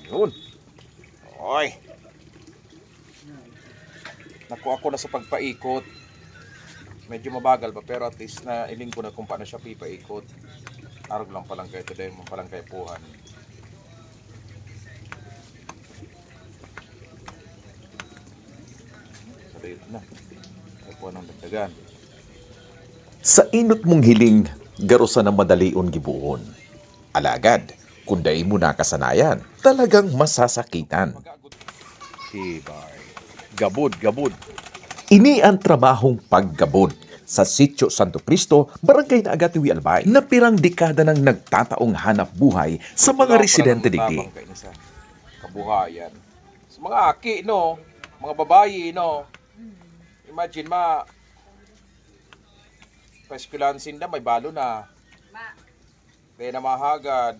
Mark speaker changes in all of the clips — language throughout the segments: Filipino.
Speaker 1: Yun. Oy. Nakuha ko na sa pagpaikot. Medyo mabagal pa pero at least na iling ko na kung paano siya pipaikot. Arog lang palang kayo today mo palang kayo puhan. Salit na. Ay po ng dagdagan.
Speaker 2: Sa inot mong hiling, garusa ng madalion gibuon. Alagad, kung day mo nakasanayan, talagang masasakitan.
Speaker 1: Tibay. Gabod.
Speaker 2: Ini ang trabahong paggabod sa Sitio Santo Cristo, Barangay na Agatiwi Albay, na pirang dekada nang nagtataong hanap buhay sa mga residente digdi.
Speaker 1: Sa kabuhayan. Sa mga aki, no? Mga babayi, no? Imagine, paeskulansin na, may balo na. Kaya na mahagad.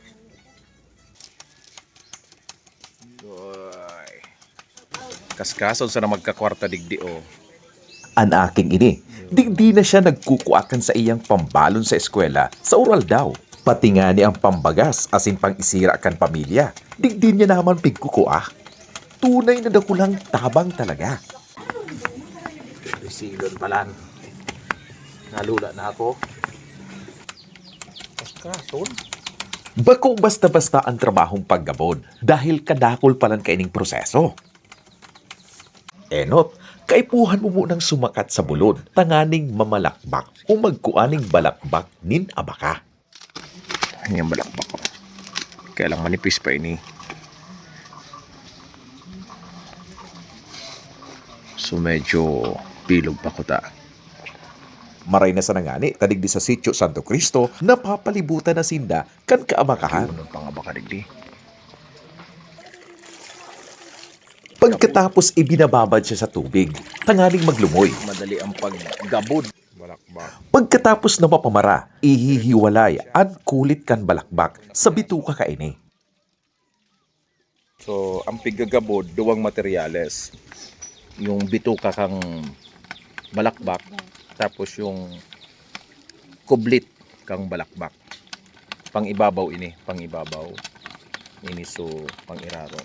Speaker 1: Uy. Kaskason sa na magkakwarta digdi, oh.
Speaker 2: Ang aking ini, digdi na siya nagkukuakan sa iyang pambalon sa eskwela sa oral daw. Pati nga ni ang pambagas asin pang isira kan pamilya. Digdi niya naman pigkukuah. Tunay na dakulang tabang talaga.
Speaker 1: Silon palan. Nalula na ako. Kaskason?
Speaker 2: Bako basta-basta ang trabahong paggabon dahil kadakol palang kaining proseso. Enot, kaipuhan mo munang sumakat sa bulod, tanganing mamalakbak o magkuaning balakbak nin abaka.
Speaker 1: Ano yung balakbak ko? Kaya lang manipis pa ini. So medyo bilog pa ko ta.
Speaker 2: Maray na sa nangani, tadigdi sa Sitio Santo Cristo, napapalibutan na sinda kan kaabakahan.
Speaker 1: Ano pang abaka digdi?
Speaker 2: Pagkatapos ibinababad siya sa tubig, tangaling maglumoy.
Speaker 1: Madali ang paggabod. Balakbak.
Speaker 2: Pagkatapos na mapamara, ihihiwalay ang kulit kan balakbak sa bituka kaini.
Speaker 1: So, ang piggagabod, duwang materyales. Yung bituka kang balakbak, tapos yung kublit kang balakbak. Pang-ibabaw ini, pang-ibabaw. Ini so, pang-irarom.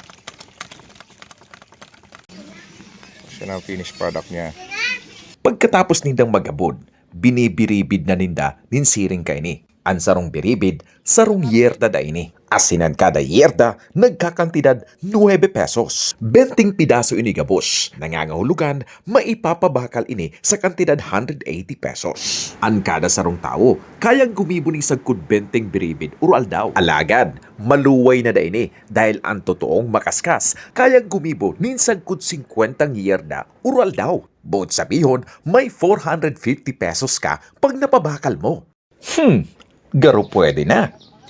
Speaker 1: Siya na ang finished product niya.
Speaker 2: Pagkatapos nindang magabod, binibiribid na ninda nin siring kaini. Ang sarong biribid, sarong yerda da ini. Asinan kada yerda, nagkakantidad 9 pesos. 20 pidaso ini gabos. Nangangahulugan, maipapabakal ini sa kantidad 180 pesos. Ang kada sarong tao, kayang gumibo ni sagkud 20 biribid ural daw. Alagad, maluway na da ini dahil ang totoong makaskas, kayang gumibo nin sagkud 50 yerda ural daw. Bukod sabihon, may 450 pesos ka pag napabakal mo. Garo pwede na.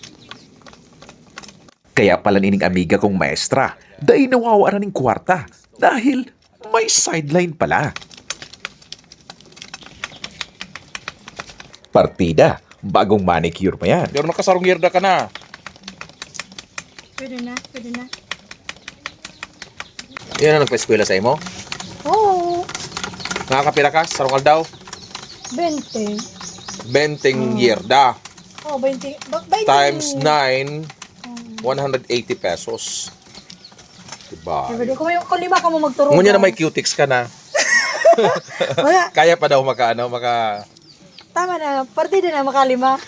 Speaker 2: Kaya pala nining amiga kong maestra, dahil nawawara ng kwarta dahil may sideline pala. Partida, bagong manicure pa yan.
Speaker 1: Pero nakasarong yerda ka na.
Speaker 3: Pwede na.
Speaker 1: Yan ang nagpa-eskwela sa imo?
Speaker 3: Oo.
Speaker 1: Nakakapira ka? Sarong aldaw?
Speaker 3: 20.
Speaker 1: 20 yerda.
Speaker 3: Oh, 20. 20.
Speaker 1: Times 9, 180 pesos. Diba?
Speaker 3: Kung lima ka mo magturo.
Speaker 1: Ngunya na may cutics ka na.
Speaker 3: Wala.
Speaker 1: Kaya pa daw maka.
Speaker 3: Tama na. Partida na makalima.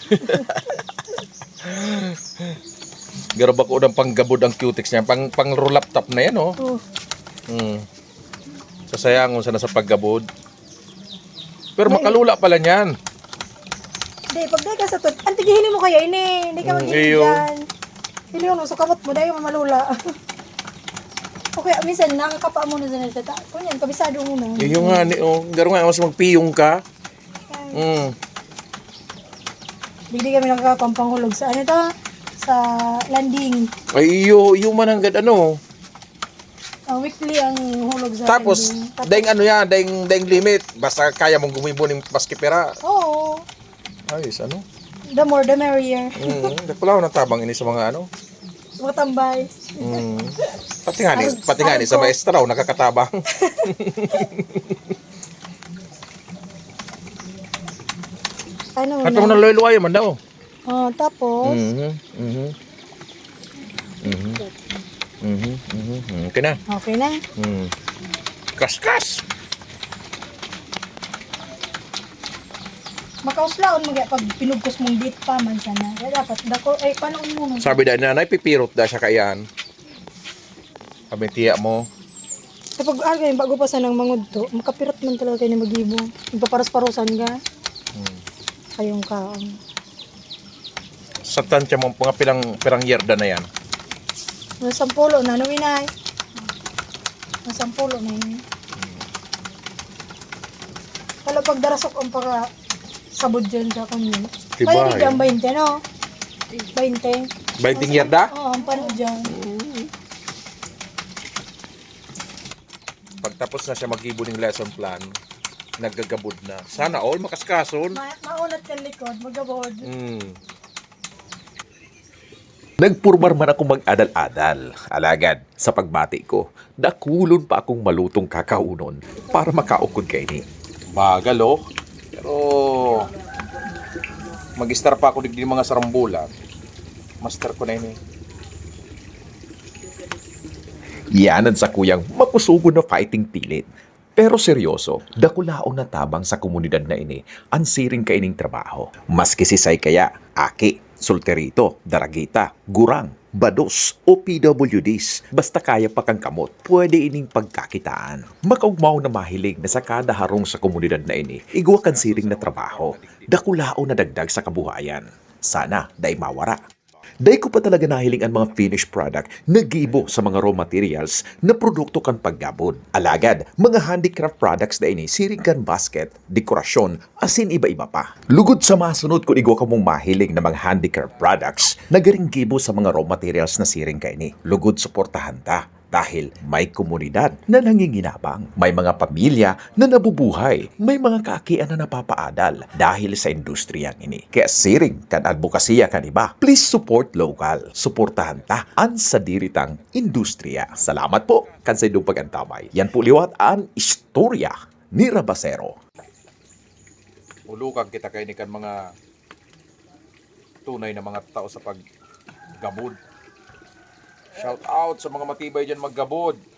Speaker 1: Garab ako ng panggabod ang cutics niya. Pang roll up top na yan, oh. Sasayangon sana sa paggabod. Pero makalula pala niyan.
Speaker 3: Hindi, pag dahil ka sa tut, antigihili mo kaya ini. Hindi ka
Speaker 1: iyo.
Speaker 3: magiging dyan. Hili mo, so kamot mo, dahil malula. Okay, minsan nakakapa mo na sa nalita. Kunyan, kabisado mo na.
Speaker 1: Yung nga, garo nga, mas magpiyong ka.
Speaker 3: Hindi kami nakakapampangulog sa ano to? Sa landing.
Speaker 1: Ay, iyo man hanggang ano.
Speaker 3: Weekly ang hulog sa
Speaker 1: Tapos,
Speaker 3: landing.
Speaker 1: daing limit. Basta kaya mong gumibo ng maski pera.
Speaker 3: Oo.
Speaker 1: Ayos, ano?
Speaker 3: The more, the merrier.
Speaker 1: Wala ko natabang ini sa mga ano.
Speaker 3: Mga tambay.
Speaker 1: Pati nga ni sa maestra, nakakatabang.
Speaker 3: Ano
Speaker 1: At mo na loy-loy man daw.
Speaker 3: Tapos,
Speaker 2: Mhm. Okay na.
Speaker 3: Okay na.
Speaker 2: Kas-kas.
Speaker 3: Makauslaon magya pag pinugkos mong dit pa man sana. Kaya dapat dako ay panon mo no.
Speaker 1: Sabi dahil nanay, pipirot da siya kayan. Sabi tiya mo,
Speaker 3: Kapag agay bago pa sanang mangudto, makapirot man talaga kayo na magibo. Magpaparos-parosan ka. Kayong kaon.
Speaker 1: sa tansya mo, mga pirang yerda na yan.
Speaker 3: Nasampulo na, numinay. Nasampulo na yun. Kala pag darasok ang para sabod dyan sa kanyo.
Speaker 1: Diba,
Speaker 3: Kaya di dyan 20, no? 20.
Speaker 1: 20 yerda?
Speaker 3: Oo, ang pano dyan.
Speaker 1: Pagtapos na siya mag-ibo ng lesson plan, naggagabod na. Sana all makaskason.
Speaker 3: Maunat ka likod, magabod.
Speaker 2: Nagpurmar man akong mag-adal-adal. Alagad, sa pagbati ko, nakulon pa akong malutong kakaunon para makaukod kay ni.
Speaker 1: Bagal oh. Pero mag-star pa ako digdi mga sarambulan. Master ko na yun eh.
Speaker 2: Yanan sa kuyang makusugo na fighting pilit. Pero seryoso, dakulaon na tabang sa komunidad na ini ang siring kaining trabaho. Maski si Say kaya, aki, solterito, daragita, gurang, bados o PWDs, basta kaya pa kang kamot, pwede ining pagkakitaan. Makaugmaw na mahilig na sa kada harong sa komunidad na ini, igwa kan siring na trabaho, dakulaon na dagdag sa kabuhayan. Sana, day mawara. Day ko pa talaga nahiling ang mga finished product na gibo sa mga raw materials na produkto kan paggabod. Alagad, mga handicraft products na ini, siring kan basket, dekorasyon, asin iba-iba pa. Lugod sa masunod kung igwa ka mong mahiling na mga handicraft products na garing gibo sa mga raw materials na siring ka ini. Lugod suportahan ta. Dahil may komunidad na nanginginabang, may mga pamilya na nabubuhay, may mga kaakian na napapaadal dahil sa industriyang ini. Kaya siring kan advokasya kan iba, please support local. Suportahan ta ang sa diritang industriya. Salamat po kan sa idong pagantamay. Yan po liwat ang istorya ni Rabasero.
Speaker 1: Ulukag kita kay ni kan mga tunay na mga tao sa paggabod. Shout out sa mga matibay dyan maggabod.